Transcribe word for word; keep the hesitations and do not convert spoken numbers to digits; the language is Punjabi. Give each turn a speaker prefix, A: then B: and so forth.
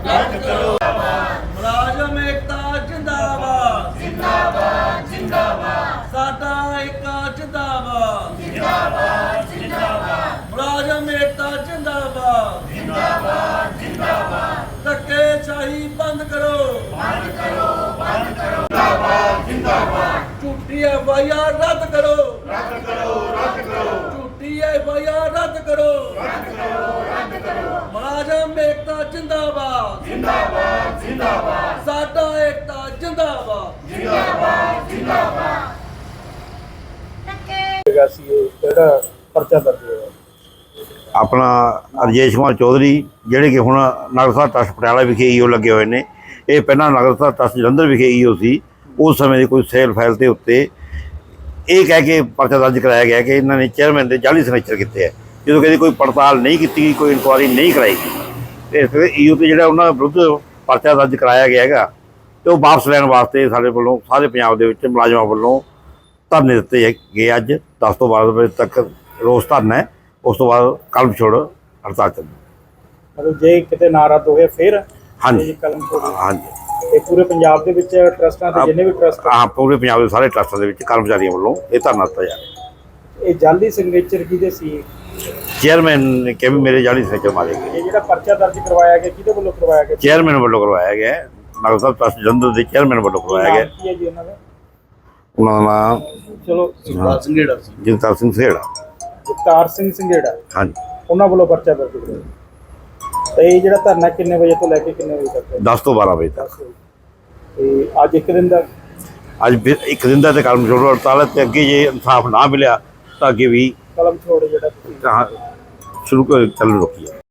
A: रद्द करो। मुलाजम एकता जिंदाबाद जिंदाबाद जिंदाबाद। साडा एकता जिंदाबाद जिंदाबाद जिंदाबाद। मुलाजम एकता जिंदाबाद जिंदाबाद जिंदाबाद। धक्केशाही बंद करो बंद करो बंद करो। जिंदाबाद जिंदाबाद। झूठी एफ आई आर रद्द करो रद्द करो रद्द करो। झूठी एफ आई आर रद्द करो रद्द करो रद्द करो। मुलाजम एकता जिंदाबाद जिंदाबाद जिंदाबाद। साडा एकता जिंदाबाद जिंदाबाद जिंदाबाद।
B: पर्चा दर्ज होया
C: अपना राजेश कुमार चौधरी ਜਿਹੜੇ ਕਿ ਹੁਣ ਨਗਰ ਟਰੱਸਟ ਪਟਿਆਲਾ ਵਿਖੇ ਈਓ ਲੱਗੇ ਹੋਏ ਨੇ। ਇਹ ਪਹਿਲਾਂ ਨਗਰ ਟਰੱਸਟ ਜਲੰਧਰ ਵਿਖੇ ਈਓ ਸੀ। ਉਸ ਸਮੇਂ ਦੀ ਕੋਈ ਸੇਲ ਫਾਈਲ ਦੇ ਉੱਤੇ ਇਹ ਕਹਿ ਕੇ ਪਰਚਾ ਦਰਜ ਕਰਾਇਆ ਗਿਆ ਕਿ ਇਹਨਾਂ ਨੇ ਚੇਅਰਮੈਨ ਦੇ ਜਾਲੀ ਸਿਗਨੇਚਰ ਕੀਤੇ ਹੈ, ਜਦੋਂ ਕਹਿੰਦੇ ਕੋਈ ਪੜਤਾਲ ਨਹੀਂ ਕੀਤੀ ਗਈ, ਕੋਈ ਇਨਕੁਆਇਰੀ ਨਹੀਂ ਕਰਾਈ ਗਈ। ਇਸ ਕਰਕੇ ਈਓ ਤੇ ਜਿਹੜਾ ਉਹਨਾਂ ਵਿਰੁੱਧ ਪਰਚਾ ਦਰਜ ਕਰਾਇਆ ਗਿਆ ਹੈਗਾ ਤੇ ਉਹ ਵਾਪਸ ਲੈਣ ਵਾਸਤੇ ਸਾਡੇ ਵੱਲੋਂ ਸਾਰੇ ਪੰਜਾਬ ਦੇ ਵਿੱਚ ਮੁਲਾਜ਼ਮਾਂ ਵੱਲੋਂ ਧਰਨੇ ਦਿੱਤੇ ਗਏ। ਅੱਜ ਦਸ ਤੋਂ ਬਾਰਾਂ ਵਜੇ ਤੱਕ ਰੋਸ ਧਰਨਾ ਹੈ। ਉਸ ਤੋਂ ਬਾਅਦ ਕਲਮ ਛੋੜ ਹੜਤਾਲ ਚੱਲੂ।
B: ਮਤਲਬ ਜੇ ਕਿਤੇ ਨਾ ਰੱਦ ਹੋ ਗਿਆ ਫਿਰ
C: ਹਾਂਜੀ
B: ਕਲਮ ਛੋੜ।
C: ਹਾਂਜੀ,
B: ਇਹ ਪੂਰੇ ਪੰਜਾਬ ਦੇ ਵਿੱਚ ਟਰਸਟਾਂ ਦੇ ਜਿੰਨੇ ਵੀ ਟਰਸਟ
C: ਹਾਂ ਪੂਰੇ ਪੰਜਾਬ ਦੇ ਸਾਰੇ ਟਰੱਸਟਾਂ ਦੇ ਵਿੱਚ ਕਰਮਚਾਰੀਆਂ ਵੱਲੋਂ ਇਹ ਧਰਨਾ ਦਿੱਤਾ ਜਾ ਰਿਹਾ।
B: ਇਹ ਜਾਲੀ ਸਿਗਨੇਚਰ ਕਿਹਦੇ ਸੀ?
C: ਚੇਅਰਮੈਨ ਨੇ ਕਿਹਾ ਵੀ ਮੇਰੇ ਜਾਲੀ ਸਿਗਨੇਚਰ ਮਾਰੇ ਗਏ।
B: ਇਹ ਜਿਹੜਾ ਪਰਚਾ ਦਰਜ ਕਰਵਾਇਆ ਗਿਆ ਕਿਹਦੇ ਵੱਲੋਂ ਕਰਵਾਇਆ ਗਿਆ?
C: ਚੇਅਰਮੈਨ ਵੱਲੋਂ ਕਰਵਾਇਆ ਗਿਆ। ਨਗਰ ਸਾਹਿਬ ਟਰੱਸਟ ਜਲੰਧਰ ਦੇ ਚੇਅਰਮੈਨ ਵੱਲੋਂ ਕਰਵਾਇਆ ਗਿਆ।
B: ਕੀ ਹੈ ਜੀ ਉਹਨਾਂ ਦਾ?
C: ਉਹਨਾਂ ਦਾ ਨਾਮ
B: ਚਲੋ
A: ਜਗਤਾਰ ਸਿੰਘੇੜਾ ਸੀ।
C: ਜਗਤਾਰ ਸਿੰਘ ਸੇੜਾ।
B: ਜਗਤਾਰ ਸਿੰਘ ਸਿੰਘੇੜਾ
C: ਹਾਂਜੀ,
B: ਉਹਨਾਂ ਵੱਲੋਂ ਪਰਚਾ ਦਰਜ ਕਰਵਾਇਆ। ਤੇ ਇਹ ਜਿਹੜਾ ਧਰਨਾ ਕਿੰਨੇ ਵਜੇ ਤੋਂ ਲੈ ਕੇ ਕਿੰਨੇ ਵਜੇ ਤੱਕ ਹੈ?
C: ਦਸ ਤੋਂ ਬਾਰਾਂ ਵਜੇ ਤੱਕ।
B: ਤੇ ਅੱਜ ਇੱਕ ਦਿਨ ਦਾ
C: ਅੱਜ ਫਿਰ ਇੱਕ ਦਿਨ ਦਾ ਤੇ ਕਲਮ ਛੋੜ ਹੜਤਾਲ ਹੈ ਤੇ ਅੱਗੇ ਜੇ ਇਨਸਾਫ ਨਾ ਮਿਲਿਆ ਤਾਂ ਅੱਗੇ ਵੀ
B: ਕਲਮ ਛੋੜ ਜਿਹੜਾ ਤੁਸੀਂ
C: ਸ਼ੁਰੂ ਕਰ ਚੱਲ ਰੁਕੀ ਹੈ।